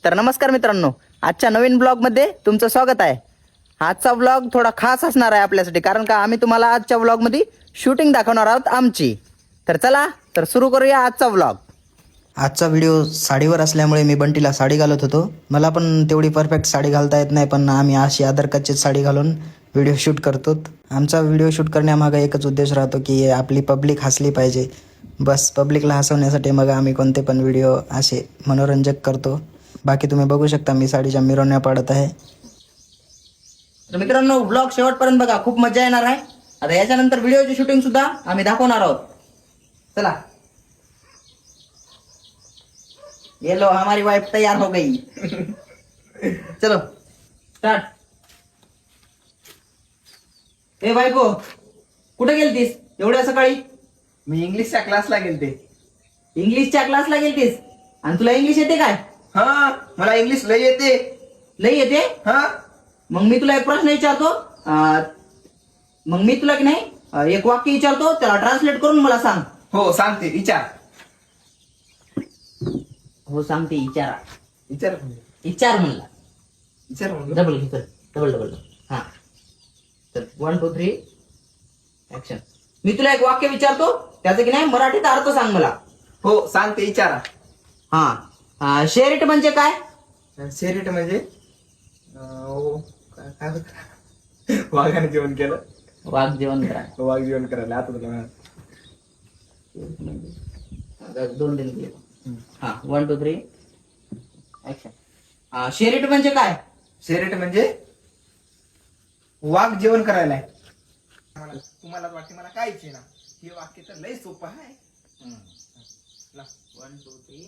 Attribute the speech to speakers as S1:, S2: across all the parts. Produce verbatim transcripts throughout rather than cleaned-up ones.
S1: तर नमस्कार मित्रांनो, आजच्या नवीन ब्लॉगमध्ये तुमचं स्वागत आहे. आजचा ब्लॉग थोडा खास असणार आहे आपल्यासाठी, कारण का आम्ही तुम्हाला आजच्या ब्लॉगमध्ये शूटिंग दाखवणार आहोत आमची. तर चला तर सुरू करूया आजचा ब्लॉग. आजचा व्हिडिओ साडीवर असल्यामुळे मी बंटीला साडी घालत होतो. मला पण तेवढी परफेक्ट साडी घालता येत नाही, पण आम्ही अशी आधार कार्डची साडी घालून व्हिडिओ शूट करतो. आमचा व्हिडिओ शूट करण्यामागे एकच उद्देश राहतो की आपली पब्लिक हसली पाहिजे. बस पब्लिकला हसवण्यासाठी मग आम्ही कोणते पण व्हिडिओ असे मनोरंजक करतो. बाकी तुम्ही बघू शकता मी साडीच्या मिरवण्या पाडत आहे. तर मित्रांनो, ब्लॉग शेवटपर्यंत बघा, खूप मजा येणार आहे. आता याच्यानंतर व्हिडिओची शूटिंग सुद्धा आम्ही दाखवणार आहोत. चला. ये लो, हमारी वाइफ तैयार हो गई. चलो स्टार्ट. ए बायको, कुठे गेलतीस एवढ्या सकाळी?
S2: मी इंग्लिशच्या क्लासला गेलते.
S1: इंग्लिशच्या क्लासला गेलतीस? आणि तुला इंग्लिश येते काय?
S2: हा, मला इंग्लिश लय येते.
S1: लई येते?
S2: हा,
S1: मग मी तुला एक प्रश्न विचारतो. अं, मग मी तुला की नाही अं, एक वाक्य विचारतो, त्याला ट्रान्सलेट करून मला सांग.
S2: हो सांगते. विचार
S1: हो सांगते, विचारा.
S2: विचार
S1: विचार म्हणला.
S2: विचार म्हणलं.
S1: डबल घे, डबल डबल. हा, तर वन टू थ्री ऍक्शन. मी तुला एक वाक्य विचारतो, त्याचा की नाही मराठीत अर्थ सांग मला.
S2: हो सांगते. विचारा.
S1: हा, शेरिट म्हणजे काय?
S2: शेरिट म्हणजे अं, ओ, काय काय होत? वाघाने जेवण केलं.
S1: वाघ जेवण करा.
S2: वाघ जेवण करायला आता तुला
S1: दोन दिन दिले. हा, वन टू थ्री ऍक्शन. शेरिट म्हणजे काय?
S2: शेरिट म्हणजे वाघ जेवण करायला आहे. मला- तुम्हाला वाटते मला काय ना, हे वाक्य तर लय सोपं आहे.
S1: One two three.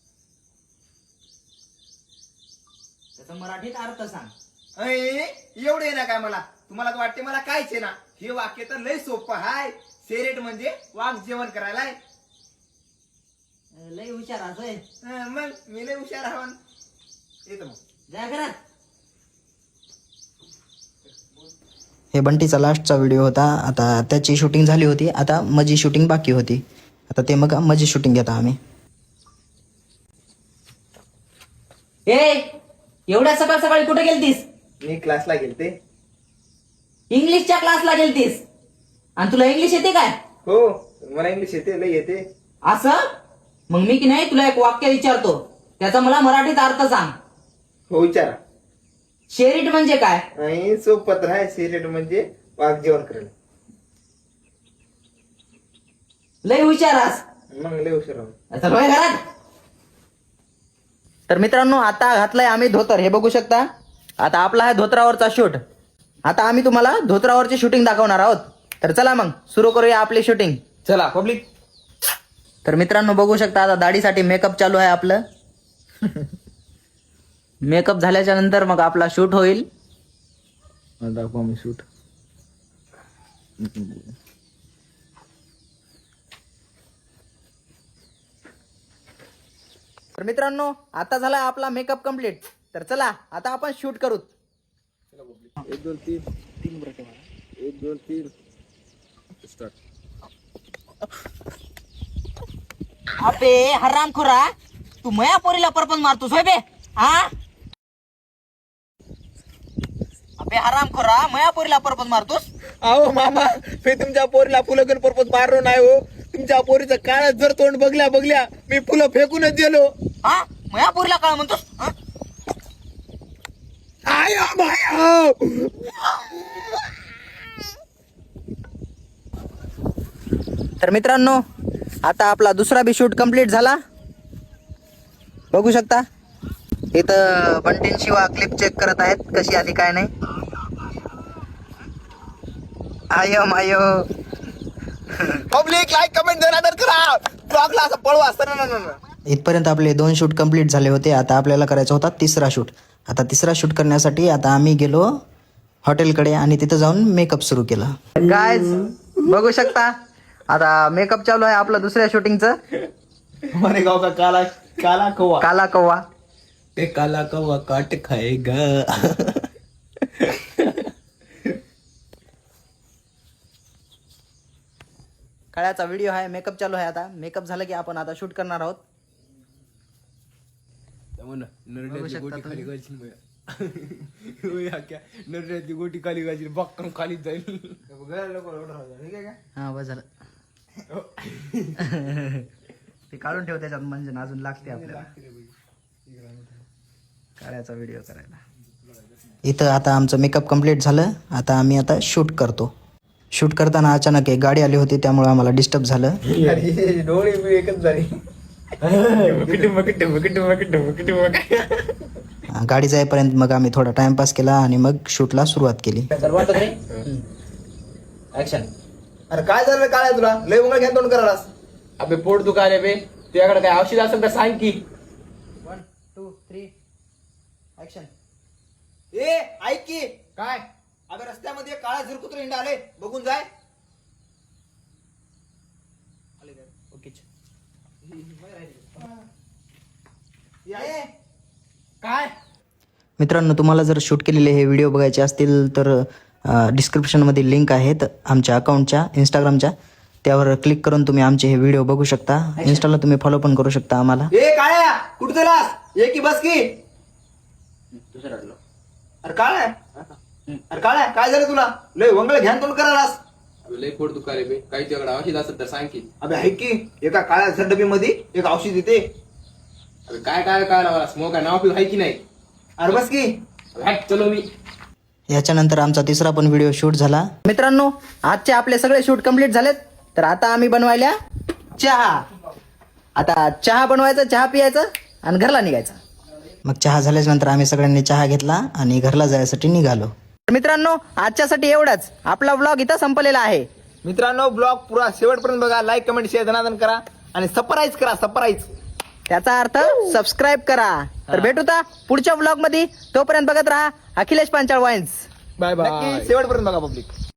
S1: त्याचा मराठीत अर्थ सांग.
S2: अय, एवढे ना काय मला, तुम्हाला तर वाटते मला कायच ना, हे वाक्य तर लय सोपं आहे. शेरेट म्हणजे वाघ जेवण करायला आहे.
S1: लय हुशार असोय.
S2: हं, मग मी लय हुशार हवन येतो मग.
S1: जा घरात.
S3: हे बंटीचा लास्टचा व्हिडिओ होता. आता त्याची शूटिंग झाली होती, आता माझी शूटिंग बाकी होती. आता ते मग माझी शूटिंग घेता आम्ही.
S1: ए, एवढ्या सकाळ सकाळी कुठे गेलतीस?
S2: मी क्लासला गेलते.
S1: इंग्लिशच्या क्लासला गेलतीस? आणि तुला इंग्लिश येते काय?
S2: हो, मला इंग्लिश येते, लय येते.
S1: असं? मग मी की नाही तुला एक वाक्य विचारतो, त्याचा मला मराठीत अर्थ सांग.
S2: हो विचारा.
S1: शेरिट म्हणजे काय?
S2: आणि सोपत आहे. शेरेट म्हणजे वाघ जेवण करायला.
S1: लय हुशारास.
S2: मग लय हुशार हवन.
S1: चल होय घरात. तर मित्रांनो, आता घातलाय आम्ही धोतर, हे बघू शकता. आता आपला आहे धोत्रावरचा शूट. आता आम्ही तुम्हाला धोत्रावरची शूटिंग दाखवणार आहोत. तर चला मग सुरू करूया आपली शूटिंग.
S2: चला पब्लिक.
S1: तर मित्रांनो बघू शकता, आता दाढीसाठी मेकअप चालू आहे आपलं. मेकअप झाल्याच्या नंतर मग आपला शूट होईल.
S2: दाखवा मी शूट.
S1: तर मित्रांनो, आता झाला आपला मेकअप कम्प्लीट. तर चला आता आपण शूट करू.
S2: एक दोन तीन तीन बरं एक दोन तीन स्टार्ट.
S1: अबे हरामखोरा, तू मया पोरीला परपंच मारतोस होय बे? हा, अबे हरामखोरा, मया पोरीला परपंच मारतोस?
S2: अहो मामा, मी तुमच्या पोरीला फुलं घेऊन परपंच मारलो नाही हो. तुमच्या पोरीचं काळात जर तोंड बघल्या बघल्या मी फुलं फेकूनच दिलो.
S1: हा, मया पोरीला काय म्हणतोस? हा?
S2: आयो मायो.
S1: तर मित्रांनो, आता आपला दुसरा बी शूट कम्प्लीट झाला. बघू शकता इथं बंटीन शिवा क्लिप चेक करत आहेत, कशी आली काय नाही. आयो मायो.
S2: पब्लिक लाईक कमेंट जरा करा. ब्लॉगला असं पळवा असतं ना ना.
S3: इथपर्यंत आपले दोन शूट कंप्लीट झाले होते. आता आपल्याला करायचा होता तिसरा शूट. आता तिसरा शूट करण्यासाठी आता आम्ही गेलो हॉटेलकडे आणि तिथं जाऊन मेकअप सुरू केला.
S1: गाइस बघू शकता, आता मेकअप चालू आहे आपलं दुसऱ्या शूटिंगचं.
S2: हमारे गाव का काला काला कौवा.
S1: काला कव्वा.
S2: ते काला कौवा काट खाएगा.
S1: काळ्याचा व्हिडिओ आहे, मेकअप चालू आहे. आता मेकअप झालं की आपण आता शूट करणार आहोत.
S4: नरड्याची गोटी खाली घालशील बया. होय आख्या नरड्याची गोटी खाली घालशील बक्कम खालीच जाईल.
S1: हा बस झालं. ते काढून ठेव त्याच्यात म्हणजे अजून लागते आपल्याला काढायचा व्हिडिओ करायला.
S3: इथं आता आमचं मेकअप कम्प्लीट झालं. आता आम्ही आता शूट करतो. शूट करताना अचानक एक गाडी आली होती त्यामुळे आम्हाला डिस्टर्ब झालं.
S2: डोळे बी एकच झाले.
S3: गाडी जाईपर्यंत मग आम्ही थोडा टाइमपास केला आणि मग शूटला सुरुवात केली.
S1: ऍक्शन.
S2: अरे काय झालं काय तुला लय उंगळ घ्या तोंड करायलास.
S4: अबे पोट दुखायले बे. तुझ्याकडे काय औषध असेल तर सांग की.
S1: One two three action.
S2: ए ऐक की
S4: काय
S2: अबे रस्त्यामध्ये काळा झिरकुत्र हिंडा आले बघून जाय.
S1: ओके.
S4: काय
S3: मित्रांनो, तुम्हाला जर शूट केलेले हे व्हिडिओ बघायचे असतील तर डिस्क्रिप्शनमध्ये लिंक आहेत आमच्या अकाउंटच्या इंस्टाग्रामच्या. त्यावर क्लिक करून तुम्ही आमचे हे व्हिडिओ बघू शकता. इन्स्टाला तुम्ही फॉलो पण करू शकता आम्हाला.
S2: ए काळ्या कुठं चलास ये की बस की. अरे काळ्या अरे काळ्या काय झालं तुला लय वंगळ घ्यान तोंड करायलास.
S4: लय पोट दुखायले बे. काही तुझ्याकडे औषध असेल तर सांग की.
S2: अबे ऐक की एका काळ्या झडबी मध्ये एक औषध येते.
S4: अबे काय काय काय लावा स्मोक आहे नाव पिऊ आहे की नाही.
S2: अरे बस की.
S4: हॅट चलो मी.
S3: याच्यानंतर आमचा तिसरा पण व्हिडिओ शूट झाला.
S1: मित्रांनो, आजचे आपले सगळे शूट कम्प्लीट झालेत. तर आता आम्ही बनवायला चहा. आता चहा बनवायचा, चहा पियायचं आणि घरला निघायचं.
S3: मग चहा झाल्याच्या नंतर आम्ही सगळ्यांनी चहा घेतला आणि घरला जायसाठी निघालो.
S1: तर मित्रांनो, आजच्यासाठी एवढंच. आपला व्लॉग इथं संपलेला आहे.
S2: मित्रांनो ब्लॉग पुरा शेवटपर्यंत बघा. लाईक कमेंट शेअर धनादन करा आणि सरप्राईज करा सरप्राईज.
S1: त्याचा अर्थ सबस्क्राईब करा. तर भेटूता पुढच्या व्लॉग मध्ये. तोपर्यंत बघत राहा अखिलेश पांचाळ वाईन्स.
S4: बाय
S2: नक्की शेवटपर्यंत बघा पब्लिक.